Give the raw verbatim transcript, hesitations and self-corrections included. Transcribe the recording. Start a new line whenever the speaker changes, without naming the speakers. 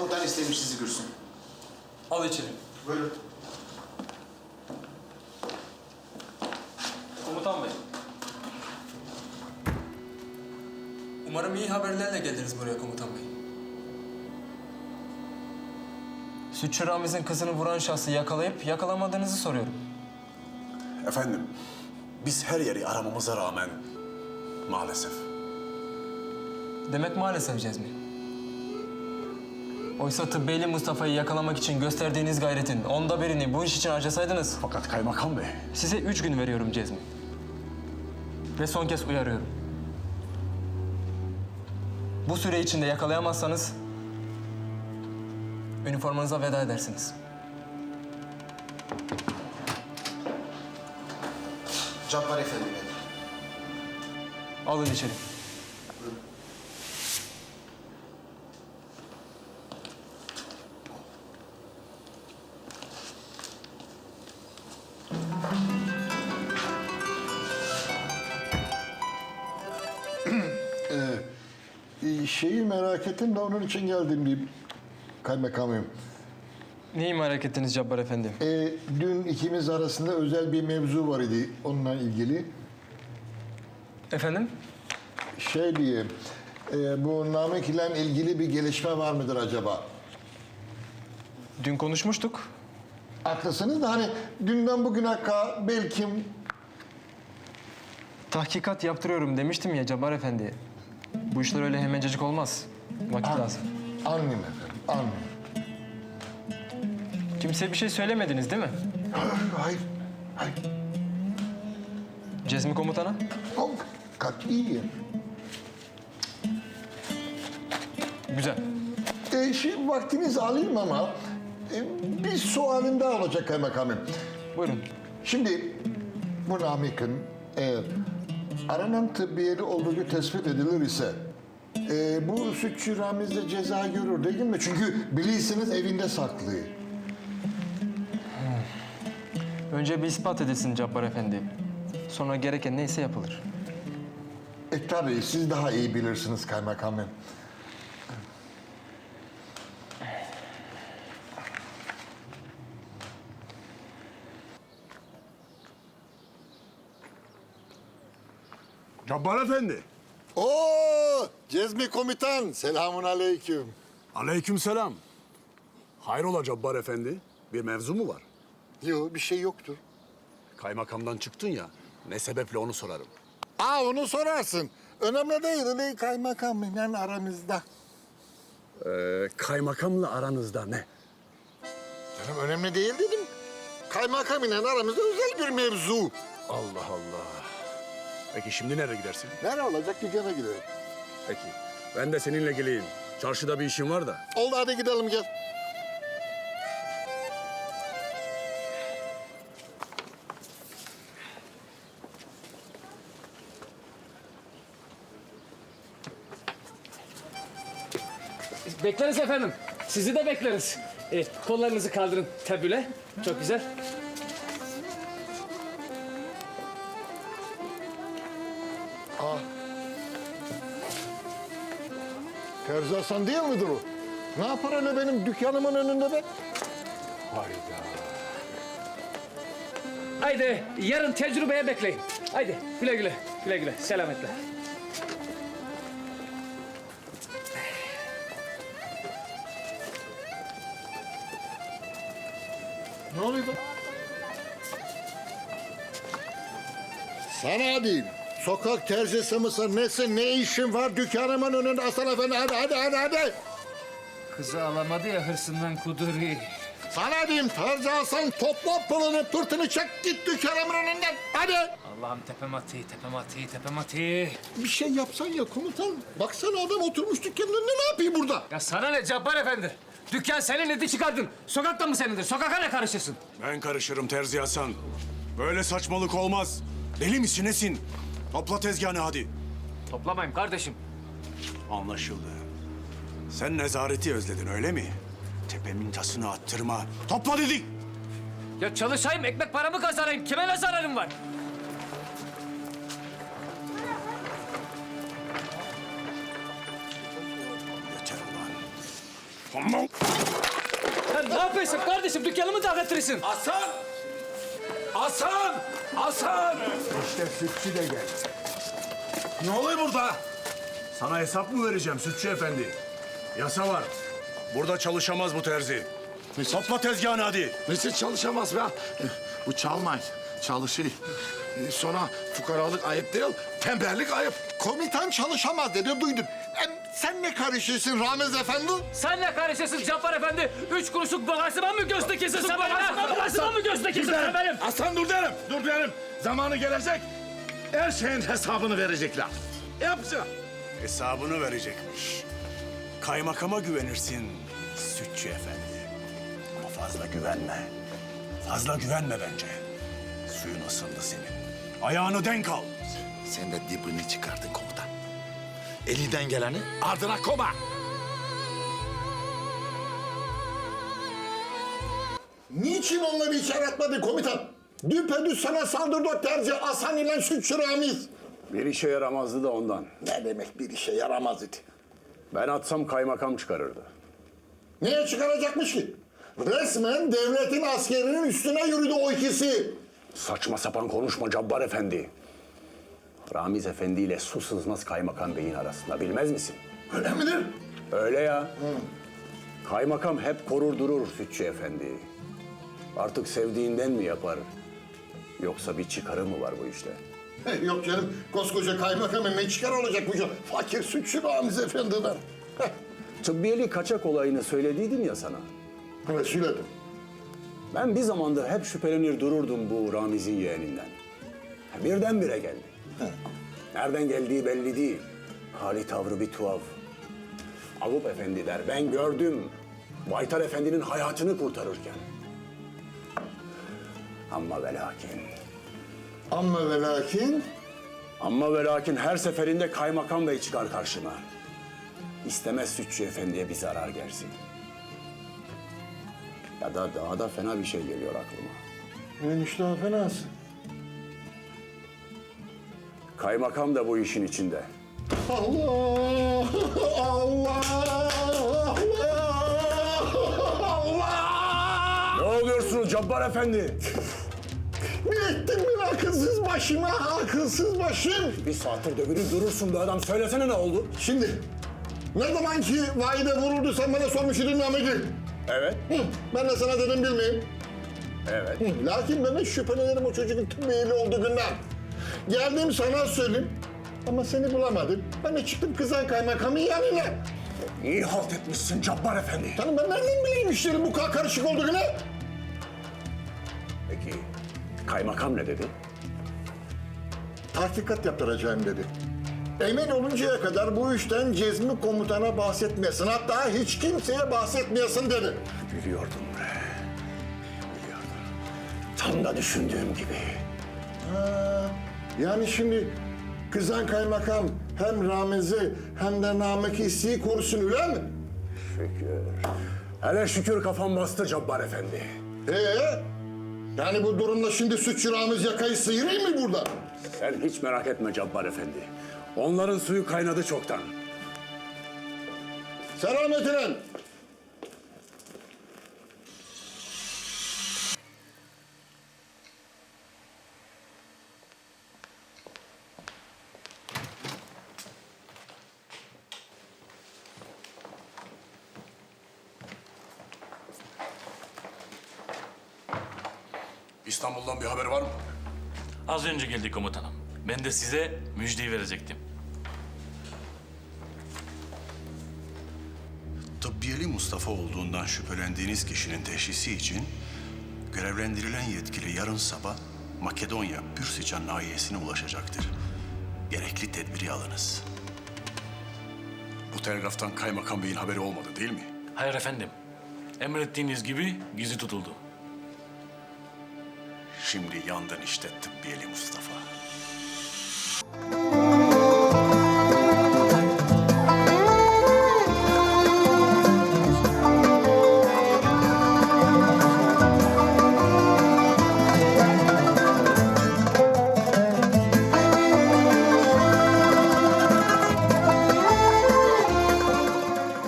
komutan istemiş sizi Gürsün.
Al içeri.
Buyurun.
Komutan bey. Umarım iyi haberlerle geldiniz buraya komutan bey. Sütçü Ramiz'in kızını vuran şahsı yakalayıp yakalamadığınızı soruyorum.
Efendim, biz her yeri aramamıza rağmen maalesef.
Demek maalesef Cezmi. Oysa Tıbbeyli Mustafa'yı yakalamak için gösterdiğiniz gayretin onda birini bu iş için harcasaydınız...
Fakat kaymakam bey,
Size üç gün veriyorum Cezmi. Ve son kez uyarıyorum. Bu süre içinde yakalayamazsanız... üniformanıza veda edersiniz.
Cabbar Efendi Bey.
Alın içeri.
Ee, şeyi merak ettim de onun için geldim bir kaymakamım.
Neyi merak ettiniz Cabbar Efendi?
Ee, dün ikimiz arasında özel bir mevzu var idi onunla ilgili.
Efendim?
Şey diye, e, bu Namık ile ilgili bir gelişme var mıdır acaba?
Dün konuşmuştuk.
Haklısınız da hani dünden bugüne kadar belki...
Tahkikat yaptırıyorum demiştim ya Cabbar Efendi. Bu işler öyle hemencecik olmaz. Vakit
An-
lazım.
Anlıyorum efendim, anlıyorum.
Kimseye bir şey söylemediniz değil mi?
Hayır, hayır, hayır.
Cezmi komutana?
Oh, katiyen.
Güzel.
E, şimdi vaktinizi alayım ama e, bir sualim daha olacak kaymakamım.
Buyurun.
Şimdi bu Namık'ın eğer aranan tıbbiyeli olduğu tespit edilir ise e, bu sütçü Ramiz de ceza görür değil mi? Çünkü bilirsiniz evinde saklı.
Önce bir ispat edilsin Cabbar Efendi. Sonra gereken neyse yapılır.
E tabii siz daha iyi bilirsiniz kaymakamım.
Cabbar Efendi.
Oo, Cezmi komutan, selamun aleyküm.
Aleykümselam. Hayrola Cabbar Efendi? Bir mevzu mu var?
Yok, bir şey yoktur.
Kaymakamdan çıktın ya, ne sebeple onu sorarım.
Aa, onu sorarsın. Önemli değil, öyle kaymakamla aramızda.
Ee, kaymakamla aranızda ne?
Canım önemli değil dedim. Kaymakam ile aramızda özel bir mevzu.
Allah Allah. Peki şimdi nereye gidersin?
Nerede olacak? Dükkana gidelim.
Peki, ben de seninle geleyim. Çarşıda bir işim var da.
Oldu, hadi gidelim gel.
Bekleriz efendim. Sizi de bekleriz. Evet, kollarınızı kaldırın tabüle. Çok güzel.
Terzi Hasan değil midir o? Ne yapar öyle benim dükkanımın önünde be?
Haydi yarın tecrübeye bekleyin. Haydi güle güle. Güle güle. Selametle.
Ne oluyor? Sana diyeyim. Sokak terzisi misin, nesin, ne işin var dükkanımın önünde Hasan Efendi? Hadi, hadi, hadi, hadi.
Kızı alamadı ya hırsından kuduru.
Sana diyeyim Terzi Hasan, topla pılını, pırtını çek git dükkanımın önünden. Hadi.
Allah'ım tepem atı, tepem atı, tepem atı.
Bir şey yapsan ya komutan. Baksana adam oturmuş dükkanın önünde, ne yapayım burada?
Ya sana ne Cabbar Efendi? Dükkan senin, eti çıkardın. Sokakta mı senindir? Sokaka ne karışırsın?
Ben karışırım Terzi Hasan. Böyle saçmalık olmaz. Deli misin nesin? Topla tezgahını hadi.
Toplamayayım kardeşim.
Anlaşıldı. Sen nezareti özledin öyle mi? Tepemin tasını attırma. Topla dedik.
Ya çalışayım, ekmek paramı kazanayım. Kime ne zararım var?
Yeter ulan. Tamam.
Sen ne yapıyorsun kardeşim? Dükkanımı dağıtırırsın.
Hasan! Hasan! Hasan!
İşte sütçü de geldi.
Ne oluyor burada? Sana hesap mı vereceğim Sütçü Efendi? Yasa var. Burada çalışamaz bu terzi. Topla tezgahını hadi.
Nasıl çalışamaz be? Bu çalmay, çalışıyor. Ee, Sonra fukaralık ayıp değil, tembellik ayıp.
Komutan çalışamaz dedi duydun. Em, sen ne karışıyorsun Ramiz Efendi?
Sen ne karışıyorsun Cabbar Efendi? Üç kuruşluk bağırsıma mı göz dikiyorsun sen benim? Bağırsıma mı göz dikiyorsun sen benim?
Aslan dur derim, dur derim. Zamanı gelecek, her şeyin hesabını verecekler. Yapacağım.
Hesabını verecekmiş. Kaymakama güvenirsin Sütçü Efendi. Ama fazla güvenme. Fazla güvenme bence. Suyun ısındı senin. Ayağını denk al.
Sen de dibini çıkardın komutan. Elinden geleni ardına koma.
Niçin onları içeri atmadı komutan? Düpedüz sana saldırdı o terzi Hasan ile sütçü Ramiz.
Bir işe yaramazdı da ondan.
Ne demek bir işe yaramaz idi.
Ben atsam kaymakam çıkarırdı.
Neye çıkaracakmış ki? Resmen devletin askerinin üstüne yürüdü o ikisi.
Saçma sapan konuşma Cabbar Efendi. Ramiz Efendi ile su sızmaz kaymakam beyin arasında bilmez misin?
Öyle midir?
Öyle ya. Kaymakam hep korur durur Sütçü Efendi. Artık sevdiğinden mi yapar? Yoksa bir çıkarı mı var bu işte?
Eh, Yok canım, koskoca kaymakamın ne çıkar olacak bu can? Fakir sütçü Ramiz Efendi'den. Heh,
Tıbbiyeli kaçak olayını söylediydim ya sana.
evet söyledim.
Ben bir zamandır hep şüphelenir dururdum bu Ramiz'in yeğeninden. Birdenbire geldi. Nereden geldiği belli değil. Hali tavrı bir tuhaf. Avup Efendi der, ben gördüm. Baytar Efendi'nin hayatını kurtarırken. Ama ve lakin,
Ama ve lakin
ama ve lakin her seferinde kaymakam bey çıkar karşıma. İstemez Sütçü Efendi'ye bir zarar gelsin. Ya da daha da fena bir şey geliyor aklıma.
neymiş daha fenası?
Kaymakam da bu işin içinde.
Allah! Allah! Allah!
Ne oluyorsunuz Cabbar Efendi?
Ne ettin ben akılsız başıma, akılsız başım?
Bir saattir dövünüp durursun be adam. Söylesene ne oldu?
Şimdi, ne zaman ki vahide vuruldu sen bana sormuş idin Namık'ı.
Evet.
Hı, ben de sana dedim bilmeyeyim.
Evet.
Hı, lakin ben de şüphelenirim o çocuğun tıbbiyeli olduğu günden. Geldim sana söyleyeyim ama seni bulamadım. Ben de çıktım kızan kaymakamın yanına.
İyi halt etmişsin Cabbar Efendi.
Canım ben nereden bileyim işlerin bu kadar karışık olduğunu?
Peki kaymakam ne dedi?
Tahkikat yaptıracağım dedi. Emin oluncaya kadar bu işten Cezmi komutana bahsetmeyesin. Hatta hiç kimseye bahsetmeyesin dedi.
Biliyordum bre. Biliyordum. Tam da düşündüğüm gibi.
Ha, yani şimdi kızan kaymakam hem Ramiz'i hem de Namık'ı isteği korusun öyle mi?
Şükür. Hele şükür kafam bastı Cabbar Efendi.
Ee, yani bu durumda şimdi sütçü Ramiz yakayı sıyırayım mı burada?
Sen hiç merak etme Cabbar Efendi. Onların suyu kaynadı çoktan.
Selametine.
İstanbul'dan bir haber var mı?
Az önce geldi komutanım. Ben de size müjdeyi verecektim.
Tıbbiyeli Mustafa olduğundan şüphelendiğiniz kişinin teşhisi için görevlendirilen yetkili yarın sabah Makedonya Pürsican nahiyesine ulaşacaktır. Gerekli tedbiri alınız. Bu telgraftan kaymakam beyin haberi olmadı değil mi?
Hayır efendim. Emrettiğiniz gibi gizli tutuldu.
Şimdi yandın işte tıbbiyeli Mustafa.